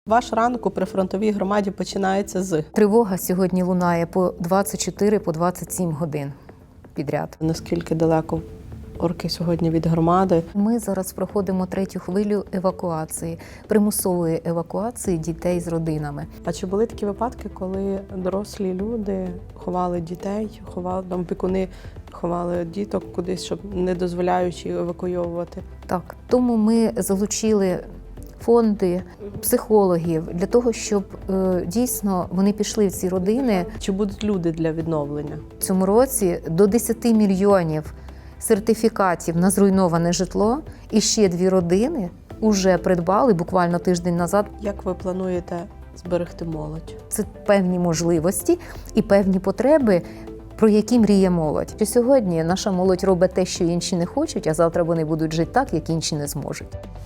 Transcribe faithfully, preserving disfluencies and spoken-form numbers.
Ваш ранок у прифронтовій громаді починається з Тривога сьогодні лунає по двадцять чотири, по двадцять сім годин підряд. наскільки далеко орки сьогодні від громади. Ми зараз проходимо третю хвилю евакуації, примусової евакуації дітей з родинами. А чи були такі випадки, коли дорослі люди ховали дітей, ховали там опікуни, ховали діток кудись, щоб не дозволяючи евакуйовувати? Так, тому ми залучили фонди, психологів для того, щоб е, дійсно вони пішли в ці родини. Чи будуть люди для відновлення? В цьому році до десяти мільйонів сертифікатів на зруйноване житло, і ще дві родини вже придбали буквально тиждень назад. Як ви плануєте зберегти молодь? Це певні можливості і певні потреби, про які мріє молодь. Що сьогодні наша молодь робить те, що інші не хочуть, а завтра вони будуть жити так, як інші не зможуть.